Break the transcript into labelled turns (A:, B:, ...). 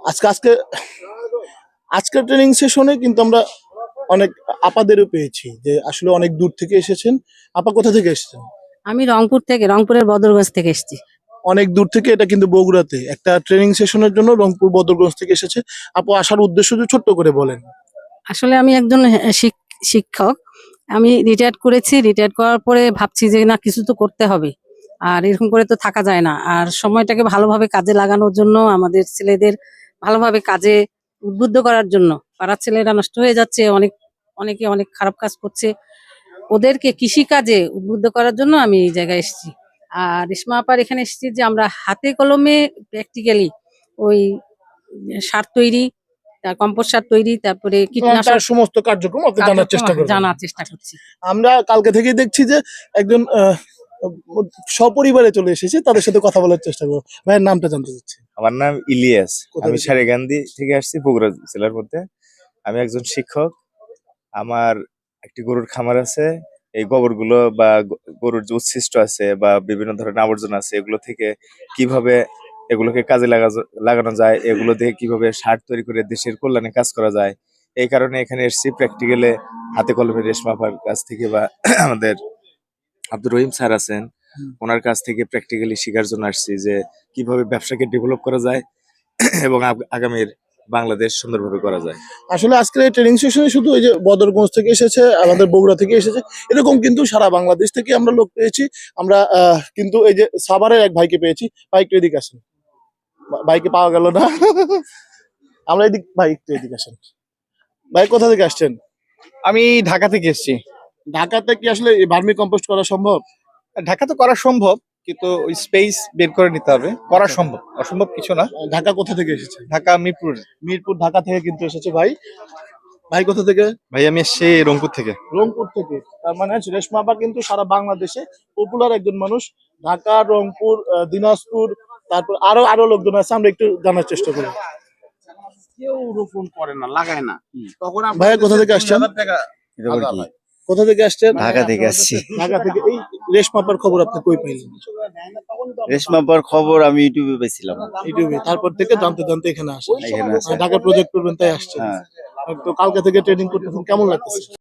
A: আজকে আজকে আজকের ট্রেনিং সেশনে কিন্তু আমরা অনেক আপাদেরও পেয়েছি যে আসলে অনেক দূর থেকে এসেছেন। আপা কোথা থেকে এসেছেন?
B: আমি রংপুরের বদরগঞ্জ থেকে এসেছি।
A: অনেক দূর থেকে, এটা কিন্তু বগুড়াতে একটা ট্রেনিং সেশনের জন্য রংপুর বদরগঞ্জ থেকে এসেছে। আপু আসার উদ্দেশ্য যদি ছোট্ট করে বলেন।
B: আসলে আমি একজন শিক্ষক। আমি রিটায়ার্ড করেছি। রিটায়ার্ড করার পরে ভাবছি যে না, কিছু তো করতে হবে, আর এরকম করে তো থাকা যায় না। আর সময়টাকে ভালোভাবে কাজে লাগানোর জন্য, আমাদের ছেলেদের ভালোভাবে কাজে উদ্বুদ্ধ করার জন্য। পাড়ার ছেলেরা নষ্ট হয়ে যাচ্ছে, অনেকে অনেক খারাপ কাজ করছে, ওদেরকে কৃষি কাজে উদ্বুদ্ধ করার জন্য আমি এই জায়গায় এসেছি। আর রেশমা আপার এখানে এসেছি যে আমরা হাতে কলমে প্র্যাকটিক্যালি ওই সার তৈরি, তার কম্পোস্ট সার তৈরি, তারপরে কীটনাশক
A: তার সমস্ত কার্যক্রম আপনি জানার চেষ্টা করবেন।
B: জানার চেষ্টা করছি।
A: আমরা কালকে থেকেই দেখছি যে একজন সপরিবারে চলে এসেছে, তাদের সাথে কথা বলার চেষ্টা করবো। ভাইয়ের নামটা জানতে চাচ্ছি।
C: আমার নাম ইলিয়াস।
A: কোথা
C: আমি
A: থেকে?
C: সারেগান্ধী থেকে আসছি, বগুড়া জেলার মধ্যে। আমি একজন শিক্ষক। আমার একটি গরুর খামার আছে। এই গোবরগুলো বা গরুর যে উচ্ছিষ্ট আছে বা বিভিন্ন ধরনের আবর্জনা আছে, এগুলো থেকে কিভাবে এগুলোকে কাজে লাগানো যায়, এগুলো দিয়ে কিভাবে সার তৈরি করে দেশের কল্যাণে কাজ করা যায়, এই কারণে এখানে এসেছি প্র্যাকটিক্যালে হাতে কলমে রেশমা আপার কাছ থেকে বা আমাদের আব্দুর রহিম স্যার আছেন, ওনার কাছ থেকে প্র্যাকটিক্যালি শেখার জন্য আসছি যে কিভাবে ব্যবসাকে ডেভেলপ করা যায় এবং আগামীর বাংলাদেশ সুন্দরভাবে করা যায়।
A: আসলে আজকের এই ট্রেনিং সেশনে শুধু এই যে বদরগঞ্জ থেকে এসেছে, আমাদের বগুড়া থেকে এসেছে, এরকম কিন্তু সারা বাংলাদেশ থেকে আমরা লোক পেয়েছি। আমরা কিন্তু এই যে সাভারের এক ভাইকে পেয়েছি। ভাই একটু এদিকে আসেন। ভাইকে পাওয়া গেল না। আমরা এদিক, ভাই একটু এদিকে আসেন। ভাই কোথা থেকে আসছেন?
D: আমি ঢাকা থেকে এসেছি।
A: ঢাকাতে কি আসলে ভার্মি কম্পোস্ট করা সম্ভব?
D: ঢাকা তো করা সম্ভব, কিন্তু ওই স্পেস বের করে নিতে হবে। করা সম্ভব, অসম্ভব কিছু না।
A: ঢাকা কোথা থেকে এসেছে?
D: ঢাকা মিরপুর।
A: মিরপুর, ঢাকা থেকে কিন্তু এসেছে ভাই। ভাই কোথা থেকে?
D: ভাই আমি এসেছি রংপুর থেকে।
A: রংপুর থেকে। তার মানে রেশমা আপা কিন্তু সারা বাংলাদেশে পপুলার একজন মানুষ। ঢাকা, রংপুর, দিনাজপুর, তারপর আরো আরো লোকজন আছে, আমরা একটু জানার চেষ্টা করি।
E: কেউ রোপণ করে না, লাগায় না। তখন
A: ভাইয়া কোথা থেকে আসছেন? কোথা থেকে আসছেন?
F: ঢাকা থেকে আসছি।
A: ঢাকা থেকে। এই রেশমা আপার খবর আপনি কই পাইলেন?
F: রেশমা আপার খবর আমি ইউটিউবে পেয়েছিলাম।
A: ইউটিউবে। তারপর থেকে জানতে জানতে এখানে আসেন।
F: এখানে আসছি।
A: ঢাকা প্রজেক্ট করবেন তাই আসছেন।
F: হ্যাঁ।
A: তো কালকে থেকে ট্রেনিং করতেছেন, কেমন লাগতেছে?